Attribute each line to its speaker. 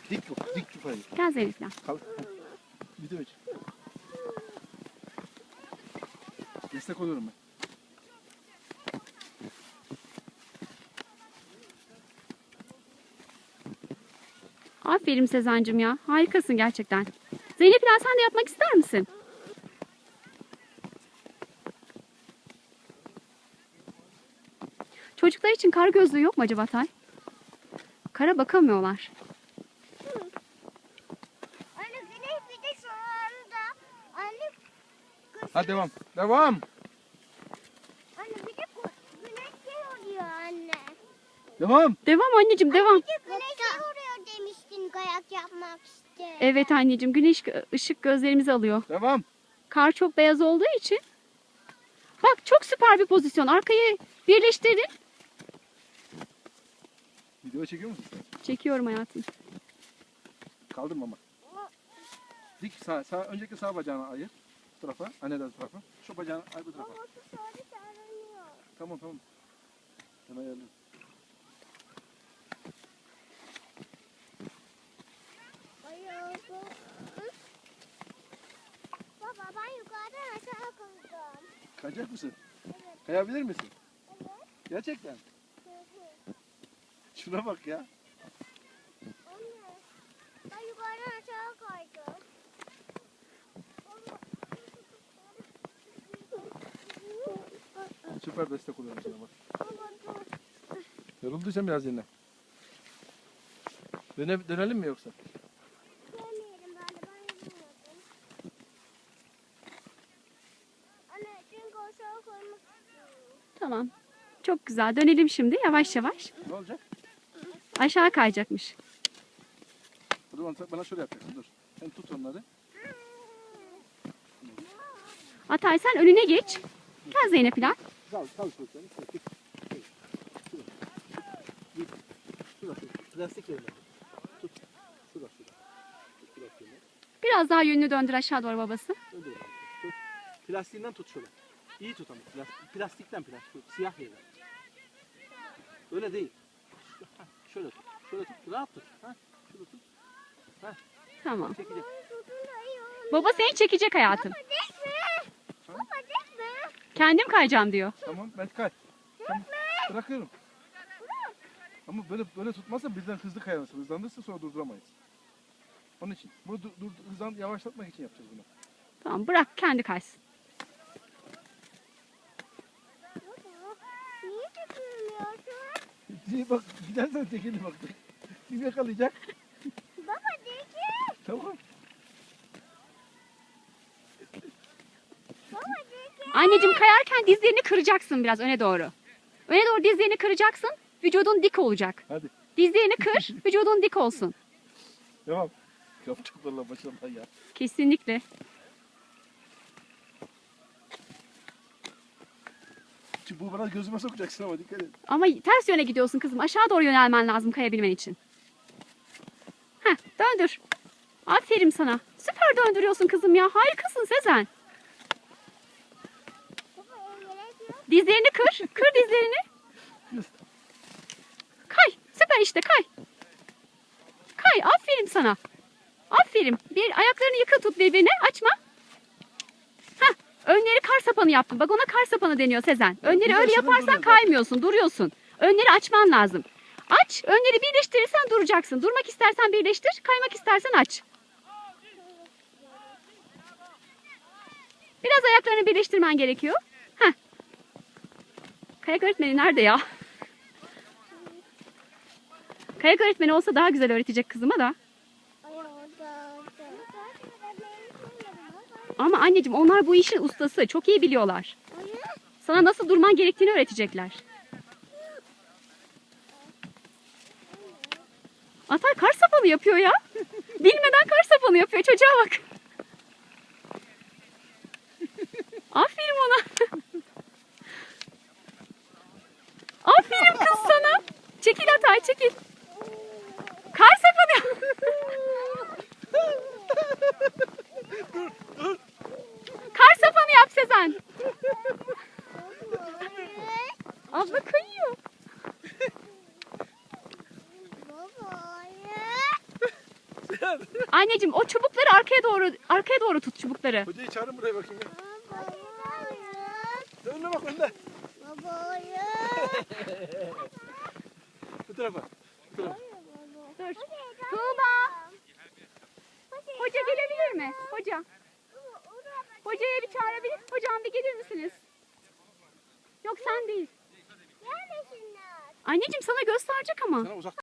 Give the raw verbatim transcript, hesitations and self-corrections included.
Speaker 1: Dik yok, dik yukarı.
Speaker 2: Gel Zeynep gel.
Speaker 1: Kal. Video aç. Destek oluyorum ben.
Speaker 2: Aferin Sezancığım ya. Harikasın gerçekten. Zeynep İlhan sen de yapmak ister misin? Çocuklar için kar gözlüğü yok mu acaba Tay? Kara bakamıyorlar.
Speaker 3: Anne güneş bir de şu anda. Anne
Speaker 1: Hadi devam. Devam.
Speaker 3: Anne bir de ku- güneş şey oluyor anne.
Speaker 1: Devam.
Speaker 2: Devam anneciğim devam.
Speaker 3: Bir de güneş şey oluyor demiştin kayak yapmak işte.
Speaker 2: Evet anneciğim güneş ışık gözlerimizi alıyor.
Speaker 1: Devam.
Speaker 2: Kar çok beyaz olduğu için. Bak çok süper bir pozisyon. Arkayı birleştirdin.
Speaker 1: Video çekiyor musun sen?
Speaker 2: Çekiyorum hayatım.
Speaker 1: Kaldırma ama. Dik sağ, sağ, önceki sağ bacağını ayır. Bu tarafa, anneden tarafa. Şu bacağını ay bu tarafa.
Speaker 3: Babası sonra sarılıyor.
Speaker 1: Tamam tamam. Ben ayarlıyorum.
Speaker 3: Ayağı. Baba ben yukarıdan aşağı kaydım.
Speaker 1: Kayacak mısın?
Speaker 3: Evet.
Speaker 1: Kayabilir misin?
Speaker 3: Evet.
Speaker 1: Gerçekten.
Speaker 3: Hı hı.
Speaker 1: Şuna bak ya.
Speaker 3: Anne. Ben yukarıdan aşağı kaydım.
Speaker 1: Süper destek oluyorum sana bak.
Speaker 3: Baba dur.
Speaker 1: Yorulduysan biraz dinle. Döne, dönelim mi yoksa?
Speaker 3: Demeyelim ben de ben yapamadım. Anne çünkü aşağı koymak istiyorum.
Speaker 2: Tamam. Çok güzel. Dönelim şimdi yavaş yavaş.
Speaker 1: Ne olacak?
Speaker 2: Aşağı kayacakmış.
Speaker 1: O zaman bana şöyle yapacaksın. Dur. Sen tut onları.
Speaker 2: Atay sen önüne geç. Gel Zeynep İlhan.
Speaker 1: Kal, kal çocuklarını. Şurası, plastik yerine. Tut. Şurası, şurası. Plastik yerine.
Speaker 2: Biraz daha yönünü döndür aşağı doğru babası.
Speaker 1: Öyle yapalım. Tut. Plastiğinden tut şöyle. İyi tut ama. Plastik, plastikten plastik. Siyah yerine. Öyle değil. Şu- hah, Şöyle tut. Şöyle tut. Rahat tut. Ha? Şurada tut.
Speaker 2: Tamam.
Speaker 1: Çekecek.
Speaker 3: Tutun da iyi olur.
Speaker 2: Baba seni çekecek hayatım.
Speaker 3: Baba dikme.
Speaker 1: Tamam.
Speaker 3: Baba dikme.
Speaker 2: Kendim kayacağım diyor.
Speaker 1: Tamam ben kay. Tamam. Bırakıyorum. Ama böyle böyle tutmazsa birden hızlı kayarız. Hızlandırırsa sonra durduramayız. Onun için. Bunu dur, dur, hızlan, yavaşlatmak için yapacağız bunu.
Speaker 2: Tamam bırak kendi kaysın.
Speaker 3: Baba niye dikmiyorsun?
Speaker 1: Diye bak gidersen tekeli bak. Kim yakalayacak?
Speaker 3: Baba dikme.
Speaker 1: Tamam.
Speaker 3: Baba dikme.
Speaker 2: Anneciğim kayarken dizlerini kıracaksın biraz öne doğru. Öne doğru dizlerini kıracaksın. Vücudun dik olacak.
Speaker 1: Hadi.
Speaker 2: Dizlerini kır, vücudun dik olsun.
Speaker 1: Devam. Yapacaklarla başarılar ya.
Speaker 2: Kesinlikle.
Speaker 1: Çünkü bu bana gözüme sokacaksın ama dikkat et.
Speaker 2: Ama ters yöne gidiyorsun kızım. Aşağı doğru yönelmen lazım kayabilmen için. Heh, döndür. Aferin sana. Süper döndürüyorsun kızım ya. Harikasın Sezen.
Speaker 3: Baba engelek
Speaker 2: Dizlerini kır. Kır dizlerini. Kay. Süper işte kay. Kay. Aferin sana. Aferin. Bir ayaklarını yakın tut birbirine. Açma. Heh. Önleri kar sapanı yaptın. Bak ona kar sapanı deniyor Sezen. Önleri
Speaker 1: bir
Speaker 2: öyle
Speaker 1: yaşından
Speaker 2: yaparsan
Speaker 1: duruyor zaten.
Speaker 2: kaymıyorsun. Duruyorsun. Önleri açman lazım. Aç. Önleri birleştirirsen duracaksın. Durmak istersen birleştir. Kaymak istersen aç. Biraz ayaklarını birleştirmen gerekiyor. Heh. Kayak öğretmeni nerede ya? Kayak öğretmeni olsa daha güzel öğretecek kızıma da.
Speaker 3: Ay orada orada.
Speaker 2: Ama anneciğim onlar bu işin ustası. Çok iyi biliyorlar. Sana nasıl durman gerektiğini öğretecekler. Atay kar sapanı yapıyor ya. Bilmeden kar sapanı yapıyor. Çocuğa bak. Aferin ona. Aferin kız sana. Çekil Atay çekil. Kar sapanı yap. Kar sapanı yap Sezen. Abla kayıyor.
Speaker 3: Baba ya.
Speaker 1: ver.
Speaker 2: Anneciğim o çubukları arkaya doğru arkaya doğru tut çubukları.
Speaker 1: Hocayı çağırın buraya bakayım. Ya.
Speaker 3: Babayı.
Speaker 1: Önüne bak önüne.
Speaker 3: Babayı.
Speaker 1: Bu tarafa. Bu tarafa.
Speaker 2: Dur. Tuğba. Hoca gelebilir mi? Hoca. Hocaya bir çağırabilir. Hocam bir gelir misiniz? Yok sen değil.
Speaker 3: Gelmesinler.
Speaker 2: Anneciğim sana gösterecek ama.
Speaker 1: Sana uzak